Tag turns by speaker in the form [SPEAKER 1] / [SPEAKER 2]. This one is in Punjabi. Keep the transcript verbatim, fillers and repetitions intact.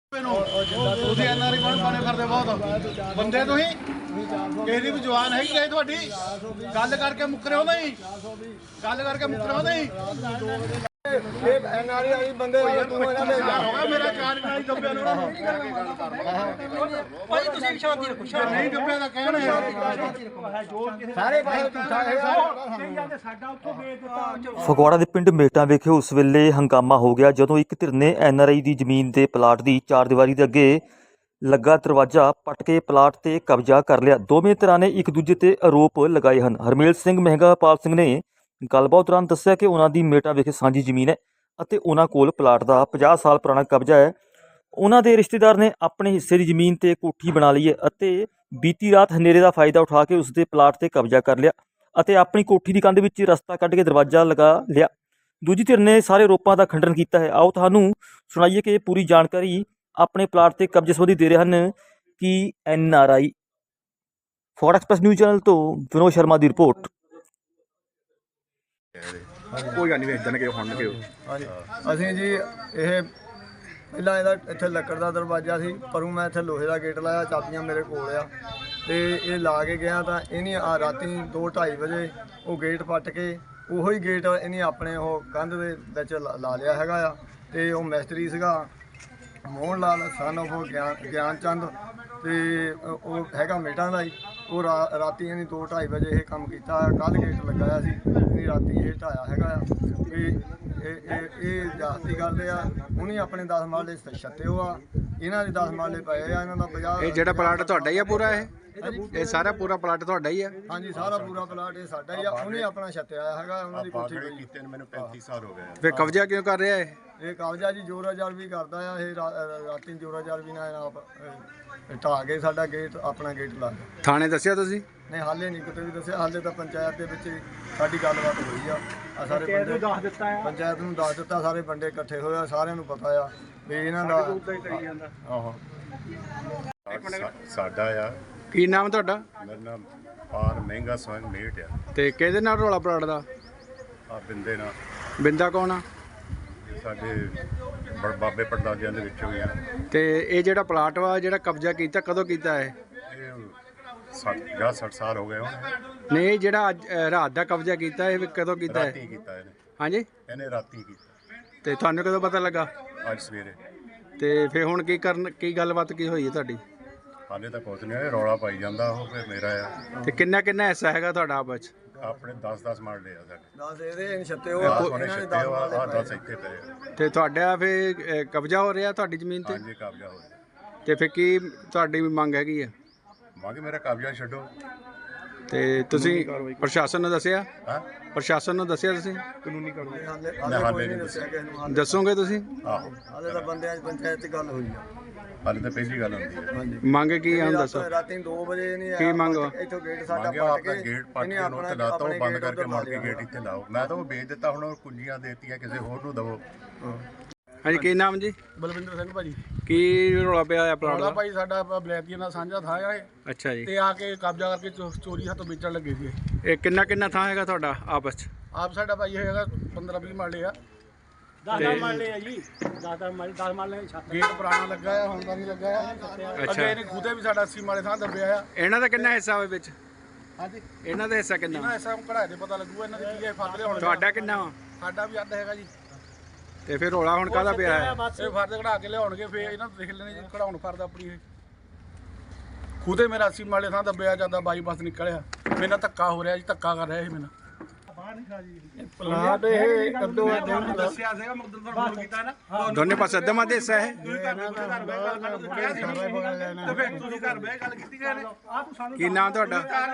[SPEAKER 1] ਤੁਸੀਂ ਐਨਆਰਆਈ ਬਣ ਬਣੇ ਕਰਦੇ ਬਹੁਤ ਬੰਦੇ ਤੁਸੀਂ ਕਿਸੇ ਦੀ ਵੀ ਜਵਾਨ ਹੈਗੀ ਹੈ ਤੁਹਾਡੀ ਗੱਲ ਕਰਕੇ ਮੁੱਕਰਿਓ ਨਹੀਂ ਗੱਲ ਕਰਕੇ ਮੁੱਕਰਿਓ ਨਹੀਂ
[SPEAKER 2] ਇਹ ਐਨਆਰਆਈ ਵਾਲੀ ਬੰਦੇ ਤੂੰ ਇਹਨਾਂ ਦੇ
[SPEAKER 1] ਹੋਗਾ ਮੇਰਾ ਚਾਰ ਨਾਲ ਦੱਬਿਆ ਨੂੰ
[SPEAKER 3] ਭਾਈ ਤੁਸੀਂ ਸ਼ਾਂਤੀ ਰੱਖੋ ਸ਼ਾਂਤੀ
[SPEAKER 1] ਨਹੀਂ ਦੱਬਿਆ ਤਾਂ ਕਹਿਣ
[SPEAKER 2] ਸਾਰੇ ਪਾਸੇ ਝੂਠਾ ਹੈ
[SPEAKER 3] ਸਾਡਾ ਉੱਥੋਂ ਵੇਚ ਦਿੱਤਾ।
[SPEAKER 4] ਫਗਵਾੜਾ ਦੇ ਪਿੰਡ ਮੇਟਾਂ ਵਿਖੇ ਉਸ ਵੇਲੇ ਹੰਗਾਮਾ ਹੋ ਗਿਆ ਜਦੋਂ ਇੱਕ ਧਿਰ ਨੇ ਐਨਆਰਆਈ ਦੀ ਜ਼ਮੀਨ ਦੇ ਪਲਾਟ ਦੀ ਚਾਰ ਦੀਵਾਰੀ ਦੇ ਅੱਗੇ ਲੱਗਾ ਦਰਵਾਜ਼ਾ ਪੱਟ ਕੇ ਪਲਾਟ ਤੇ ਕਬਜ਼ਾ ਕਰ ਲਿਆ। ਦੋਵੇਂ ਧਿਰਾਂ ਨੇ ਇੱਕ ਦੂਜੇ ਤੇ ਆਰੋਪ ਲਗਾਏ ਹਨ। ਹਰਮੇਲ ਸਿੰਘ ਮਹਿੰਗਾਪਾਲ ਸਿੰਘ ਨੇ ਗੱਲਬਾਤ ਦੌਰਾਨ ਦੱਸਿਆ ਕਿ ਉਹਨਾਂ ਦੀ ਮੇਟਾਂ ਵਿਖੇ ਸਾਂਝੀ ਜ਼ਮੀਨ ਹੈ ਅਤੇ ਉਹਨਾਂ ਕੋਲ ਪਲਾਟ ਦਾ ਪੰਜਾਹ ਸਾਲ ਪੁਰਾਣਾ ਕਬਜ਼ਾ ਹੈ। ਉਹਨਾਂ ਦੇ ਰਿਸ਼ਤੇਦਾਰ ਨੇ ਆਪਣੇ ਹਿੱਸੇ ਦੀ ਜ਼ਮੀਨ ਤੇ ਕੋਠੀ ਬਣਾ ਲਈ ਹੈ ਅਤੇ ਬੀਤੀ ਰਾਤ ਹਨੇਰੇ ਦਾ ਫਾਇਦਾ ਉਠਾ ਕੇ ਉਸ ਦੇ ਪਲਾਟ ਤੇ ਕਬਜ਼ਾ ਕਰ ਲਿਆ ਅਤੇ ਆਪਣੀ ਕੋਠੀ ਦੀ ਕੰਧ ਵਿੱਚ ਰਸਤਾ ਕੱਢ ਕੇ ਦਰਵਾਜ਼ਾ ਲਗਾ ਲਿਆ। ਦੂਜੀ ਧਿਰ ਨੇ ਸਾਰੇ ਆਰੋਪਾਂ ਦਾ ਖੰਡਨ ਕੀਤਾ ਹੈ। ਆਓ ਤੁਹਾਨੂੰ ਸੁਣਾਈਏ ਕਿ ਇਹ ਪੂਰੀ ਜਾਣਕਾਰੀ ਆਪਣੇ ਪਲਾਟ ਤੇ ਕਬਜ਼ੇ ਸੰਬੰਧੀ ਦੇ ਰਹੇ ਹਨ ਕਿ N R I. Phagwara express news channel ਤੋਂ ਵਿਨੋਦ ਸ਼ਰਮਾ ਦੀ ਰਿਪੋਰਟ।
[SPEAKER 1] ਕੋਈ ਗੱਲ ਨਹੀਂ ਵੇਚਣ ਕੇ ਹੁਣ ਕੇ
[SPEAKER 2] ਹਾਂਜੀ ਅਸੀਂ ਜੀ ਇਹ ਪਹਿਲਾਂ ਇਹਦਾ ਇੱਥੇ ਲੱਕੜ ਦਾ ਦਰਵਾਜ਼ਾ ਸੀ ਪਰੂ ਮੈਂ ਇੱਥੇ ਲੋਹੇ ਦਾ ਗੇਟ ਲਾਇਆ ਚਾਬੀਆਂ ਮੇਰੇ ਕੋਲ ਆ ਤੇ ਇਹ ਲਾ ਕੇ ਗਿਆ ਤਾਂ ਇਹਨੇ ਆ ਰਾਤੀ ਦੋ ਢਾਈ ਵਜੇ ਉਹ ਗੇਟ ਪੱਟ ਕੇ ਉਹੀ ਗੇਟ ਇਹਨੇ ਆਪਣੇ ਉਹ ਕੰਧ ਦੇ ਵਿੱਚ ਲਾ ਲਿਆ ਹੈਗਾ ਆ ਤੇ ਉਹ ਮਿਸਤਰੀ ਸੀਗਾ ਮੋਹਨ ਲਾਲ ਸਨ ਉਹ ਗਿਆਨ ਗਿਆਨ ਚੰਦ ਤੇ ਉਹ ਹੈਗਾ ਮੇਟਾਂ ਦਾ ਹੀ ਉਹ ਰਾਤੀ ਇਹਨੇ ਦੋ ਢਾਈ ਵਜੇ ਇਹ ਕੰਮ ਕੀਤਾ ਕੱਲ੍ਹ ਗੇਟ ਲਗਾਇਆ ਸੀ ਇਹਨੇ ਰਾਤੀ ਇਹ ਢਾਇਆ ਹੈਗਾ ਆ ਵੀ ਇਹ ਇਹ ਇਹ ਜਾਤੀ ਕਰਦੇ ਆ ਉਹਨੇ ਆਪਣੇ ਦਸ ਮਾਲੇ ਛੱਤੇ ਉਹ ਆ ਇਹਨਾਂ ਦੇ ਦਸ ਮਾਲੇ ਪਏ ਆ ਇਹਨਾਂ ਦਾ ਪੰਜਾਹ।
[SPEAKER 5] ਇਹ ਜਿਹੜਾ ਪਲਾਟ ਤੁਹਾਡਾ ਹੀ ਆ ਪੂਰਾ ਇਹ ਇਹ ਸਾਰਾ ਪੂਰਾ ਪਲਾਟ ਤੁਹਾਡਾ ਹੀ ਆ?
[SPEAKER 2] ਹਾਂਜੀ ਸਾਰਾ ਪੂਰਾ ਪਲਾਟ ਇਹ ਸਾਡਾ ਹੀ ਆ ਉਹਨੇ ਆਪਣਾ ਛੱਤਿਆ ਹੈਗਾ ਉਹਨਾਂ ਦੀ ਕੋਠੀ ਪਈ
[SPEAKER 1] ਕੀਤੇ ਨੂੰ ਮੈਨੂੰ ਪੈਂਤੀ ਸਾਲ ਹੋ ਗਏ।
[SPEAKER 5] ਫਿਰ ਕਬਜ਼ਾ ਕਿਉਂ ਕਰ ਰਿਹਾ ਇਹ?
[SPEAKER 2] ਇਹ ਕਬਜ਼ਾ ਜੀ ਜੋਰਾ ਜਾਰ ਵੀ ਕਰਦਾ ਆ ਇਹ ਰਾਤੀ ਜੋਰਾ ਜਾਰ ਵੀ ਨਾ ਆਪ ਢਾਹ ਕੇ ਸਾਡਾ ਗੇਟ ਆਪਣਾ ਗੇਟ ਲਾ ਗਿਆ।
[SPEAKER 5] ਥਾਣੇ ਦੱਸਿਆ ਤੁਸੀਂ?
[SPEAKER 2] ਨਹੀਂ ਹਾਲੇ ਨਹੀਂ ਕਿਤੇ ਵੀ ਦੱਸਿਆ ਹਾਲੇ ਤਾਂ ਪੰਚਾਇਤ ਦੇ ਵਿੱਚ ਸਾਡੀ ਗੱਲਬਾਤ ਹੋਈ ਆ ਆ ਸਾਰੇ ਬੰਦੇ
[SPEAKER 3] ਦੱਸ ਦਿੱਤਾ ਆ
[SPEAKER 2] ਪੰਚਾਇਤ ਨੂੰ ਦੱਸ ਦਿੱਤਾ ਸਾਰੇ ਬੰਦੇ ਇਕੱਠੇ ਹੋਏ ਆ ਸਾਰਿਆਂ ਨੂੰ ਪਤਾ ਆ ਵੀ ਇਹਨਾਂ ਦਾ ਆਹੋ
[SPEAKER 1] ਸਾਡਾ ਆ
[SPEAKER 5] ਕੀ ਨਾਮ ਤੁਹਾਡਾ?
[SPEAKER 1] ਮੇਰਾ ਨਾਮ ਪਾਰ ਮਹਿੰਗਾ ਸਿੰਘ ਮੇਟ ਆ
[SPEAKER 5] ਤੇ ਕਿਹਦੇ ਨਾਲ ਰੌਲਾ ਪਲਾਟ ਦਾ?
[SPEAKER 1] ਆ ਬਿੰਦੇ ਨਾਲ
[SPEAKER 5] ਬਿੰਦਾ ਕੌਣ ਆ?
[SPEAKER 1] ਸਾਡੇ ਬੜ ਬਾਬੇ ਪੜਦਾਦਿਆਂ ਦੇ ਵਿੱਚੋਂ ਹੀ ਆ।
[SPEAKER 5] ਤੇ ਇਹ ਜਿਹੜਾ ਪਲਾਟ ਵਾ ਜਿਹੜਾ ਕਬਜ਼ਾ ਕੀਤਾ ਕਦੋਂ ਕੀਤਾ ਹੈ?
[SPEAKER 1] ਇਹ ਸੱਠ ਜਾਂ ਸੱਠ ਸਾਲ ਹੋ ਗਏ ਹੁਣ।
[SPEAKER 5] ਨਹੀਂ ਜਿਹੜਾ ਅੱਜ ਅ, ਰਾਤ ਦਾ ਕਬਜ਼ਾ ਕੀਤਾ ਇਹ ਕਦੋਂ ਕੀਤਾ ਹੈ?
[SPEAKER 1] ਰਾਤੀ ਕੀਤਾ ਇਹਨੇ
[SPEAKER 5] ਹਾਂਜੀ
[SPEAKER 1] ਇਹਨੇ ਰਾਤੀ ਕੀਤਾ
[SPEAKER 5] ਤੇ ਤੁਹਾਨੂੰ ਕਦੋਂ ਪਤਾ ਲੱਗਾ?
[SPEAKER 1] ਅੱਜ ਸਵੇਰੇ।
[SPEAKER 5] ਤੇ ਫਿਰ ਹੁਣ ਕੀ ਕਰਨ ਕੀ ਗੱਲਬਾਤ ਕੀ ਹੋਈ ਹੈ ਤੁਹਾਡੀ?
[SPEAKER 1] ਹਾਲੇ ਤਾਂ ਕੁਝ ਨਹੀਂ ਹੋਇਆ ਰੌਲਾ ਪਾਈ ਜਾਂਦਾ ਉਹ ਫਿਰ ਮੇਰਾ ਆ
[SPEAKER 5] ਤੇ ਕਿੰਨਾ ਕਿੰਨਾ ਹਿੱਸਾ ਹੈਗਾ ਤੁਹਾਡਾ ਆਪਸ ਚ?
[SPEAKER 1] ਆਪਣੇ ਦਸ ਦਸ ਮਾਰਲੇ ਆ ਸਾਡੇ
[SPEAKER 2] ਦਸ ਇਹਦੇ ਛੱਤੇ ਉਹ
[SPEAKER 1] ਦਸ
[SPEAKER 2] ਆ
[SPEAKER 1] ਸੋਨੇ
[SPEAKER 2] ਇਹਨਾਂ ਦੇ
[SPEAKER 1] ਛੱਤੇ
[SPEAKER 2] ਦਸ
[SPEAKER 1] ਆ
[SPEAKER 2] ਮਾਲੇ
[SPEAKER 1] ਆਹ
[SPEAKER 2] ਪਏ
[SPEAKER 1] ਦਸ ਇੱਥੇ ਪਏ ਆ।
[SPEAKER 5] ਤੇ ਤੁਹਾਡਾ ਫਿਰ ਅ, ਕਬਜ਼ਾ ਹੋ ਰਿਹਾ ਤੁਹਾਡੀ ਜ਼ਮੀਨ ਤੇ?
[SPEAKER 1] ਹਾਂਜੀ ਕਬਜ਼ਾ ਹੋ ਗਿਆ।
[SPEAKER 5] ਤੇ ਫਿਰ ਕੀ ਤੁਹਾਡੀ ਮੰਗ ਹੈਗੀ ਆ?
[SPEAKER 1] ਮੰਗ ਮੇਰਾ ਕਬਜ਼ਾ ਛੱਡੋ।
[SPEAKER 5] ਤੇ ਤੁਸੀਂ ਪ੍ਰਸ਼ਾਸਨ ਨੂੰ ਦੱਸਿਆ?
[SPEAKER 1] ਹਾਂ
[SPEAKER 5] ਪ੍ਰਸ਼ਾਸਨ ਨੂੰ ਦੱਸਿਆ ਤੁਸੀਂ?
[SPEAKER 1] ਕਾਨੂੰਨੀ ਕਾਰਵਾਈ
[SPEAKER 2] ਹਾਲੇ
[SPEAKER 1] ਹਾਲੇ
[SPEAKER 2] ਹਾਲੇ
[SPEAKER 1] ਨਹੀਂ
[SPEAKER 2] ਨਹੀਂ ਦੱਸਿਆ ਕਿਸੇ ਨੂੰ ਹਾਲੇ
[SPEAKER 5] ਦੱਸੋਗੇ ਤੁਸੀਂ?
[SPEAKER 1] ਆਹੋ
[SPEAKER 2] ਹਾਲੇ ਤਾਂ ਬੰਦਿਆਂ ਦੀ ਪੰਚਾਇਤ 'ਚ ਗੱਲ ਹੋਈ ਆ
[SPEAKER 1] ਹਾਲੇ ਤਾਂ ਪਹਿਲੀ ਗੱਲ ਹੁੰਦੀ ਹੈ।
[SPEAKER 2] ਹਾਂਜੀ
[SPEAKER 5] ਮੰਗ ਕੀ ਆ ਹੁਣ ਦੱਸੋ?
[SPEAKER 2] ਰਾਤੀ ਦੋ ਵਜੇ ਨਹੀਂ
[SPEAKER 5] ਕੀ ਮੰਗ ਵਾ?
[SPEAKER 2] ਇੱਥੋਂ ਗੇਟ ਸਾਡਾ
[SPEAKER 1] ਮੰਗਿਆ
[SPEAKER 2] ਪੱਟ
[SPEAKER 1] ਆਪਣਾ
[SPEAKER 2] ਕੇ
[SPEAKER 1] ਗੇਟ ਪੱਟ ਕੇ ਨੋਟ ਤੇ ਲਾਤਾ ਉਹ ਬੰਦ ਕਰਕੇ ਮੁੜ ਕੇ ਗੇਟ ਇੱਥੇ ਲਾਓ। ਮੈਂ ਤਾਂ ਉਹ ਵੇਚ ਦਿੱਤਾ ਹੁਣ ਕੁੰਜੀਆਂ ਦੇਤੀਆਂ ਕਿਸੇ ਹੋਰ ਨੂੰ ਦਵੋ।
[SPEAKER 5] ਹਾਂਜੀ ਕੀ ਨਾਮ ਜੀ?
[SPEAKER 6] ਬਲਵਿੰਦਰ ਸਿੰਘ ਭਾਜੀ।
[SPEAKER 5] ਕੀ ਰੌਲਾ ਪਿਆ ਆ ਪਲਾਟ
[SPEAKER 6] ਉਹਦਾ
[SPEAKER 5] ਦਾ?
[SPEAKER 6] ਭਾਈ ਸਾਡਾ ਬਲੈਤੀਆਂ ਦਾ ਸਾਂਝਾ ਥਾਂ ਆ ਇਹ
[SPEAKER 5] ਅੱਛਾ ਜੀ।
[SPEAKER 6] ਤੇ ਆ ਕੇ ਕਬਜ਼ਾ ਕਰਕੇ ਚੋ- ਚੋਰੀ ਹੱਥੋਂ ਵੇਚਣ ਲੱਗੇ ਸੀ ਇਹ।
[SPEAKER 5] ਇਹ ਕਿੰਨਾ ਕਿੰਨਾ ਥਾਂ ਹੈਗਾ ਤੁਹਾਡਾ ਆਪਸ ਚ?
[SPEAKER 6] ਆਪ ਸਾਡਾ ਭਾਈ ਇਹ ਹੈਗਾ ਪੰਦਰਾਂ ਵੀਹ ਮਾਲੇ ਆ।
[SPEAKER 3] ਦਸ ਮਾਲੇ ਆ ਜੀ ਦਸ ਮਾਲੇ ਦਸ ਮਾਲੇ ਛੱਤ
[SPEAKER 6] ਗੇਟ ਪੁਰਾਣਾ ਲੱਗਾ ਆ ਹੁਣ ਤਾਂ ਨਹੀਂ ਲੱਗਾ ਆ।
[SPEAKER 5] ਅੱਛਾ।
[SPEAKER 6] ਅੱਗੇ ਇਹਨੇ ਖੁਦੇ ਵੀ ਸਾਡਾ ਅੱਸੀ ਮਾਲੇ ਥਾਂ ਦੱਬਿਆ ਆ।
[SPEAKER 5] ਇਹਨਾਂ ਦਾ ਕਿੰਨਾ ਹਿੱਸਾ ਹੋਵੇ ਵਿੱਚ?
[SPEAKER 6] ਹਾਂਜੀ
[SPEAKER 5] ਇਹਨਾਂ ਦਾ ਹਿੱਸਾ ਕਿੰਨਾ?
[SPEAKER 6] ਇਹਨਾਂ ਐਸਾ ਕਢਾਏ ਦੇ ਪਤਾ ਲੱਗੂਗਾ ਇਹਨਾਂ ਦੇ ਕੀ ਹੈ ਫਰਦ ਹੁਣ
[SPEAKER 5] ਤੁਹਾਡਾ ਕਿੰਨਾ ਵਾ?
[SPEAKER 6] ਸਾਡਾ ਵੀ ਅੱਧ ਹੈਗਾ ਜੀ।
[SPEAKER 5] ਤੇ ਫਿਰ ਰੌਲਾ ਹੁਣ ਕਾਹਦਾ ਪਿਆ ਹੈ?
[SPEAKER 6] ਇਹ ਫਰਦ ਕਢਾ ਕੇ ਲਿਆਉਣਗੇ ਫੇਰ ਇਹਨਾਂ ਨੂੰ ਦੇਖ ਲੈਣੇ ਜੀ ਕਢਾਉਣ ਫਰਦ ਆਪਣੀ ਇਹ ਖੁਦੇ ਮੇਰਾ ਅੱਸੀ ਮਾਲੇ ਥਾਂ ਦੱਬਿਆ ਜਾਂਦਾ ਬਾਈਪਾਸ ਨਿਕਲਿਆ। ਮੇਰੇ ਨਾਲ ਧੱਕਾ ਹੋ ਰਿਹਾ ਜੀ ਧੱਕਾ ਕਰ ਰਿਹਾ ਇਹ ਮੇਰੇ ਨਾਲ।
[SPEAKER 2] ਪਲਾਟ ਇਹ ਕੱਦੋ
[SPEAKER 6] ਦੱਸਿਆ ਸੀਗਾ ਮੁਕਦਰ ਤੋਂ ਫੋਨ ਕੀਤਾ ਨਾ
[SPEAKER 5] ਦੋਨੇ ਪਾਸੇ ਅੱਧਾ ਦੇ ਹਿੱਸਾ ਹੈ?
[SPEAKER 6] ਤੁਸੀਂ ਘਰ ਬਹਿ ਗੱਲ ਕਰੋ ਤੇ ਫਿਰ ਤੁਸੀਂ ਘਰ ਬਹਿ ਗੱਲ ਕੀਤੀ ਗਏ ਨੇ ਆ ਤੂੰ ਸਾਨੂੰ
[SPEAKER 5] ਕੀ ਨਾਮ ਤੁਹਾਡਾ?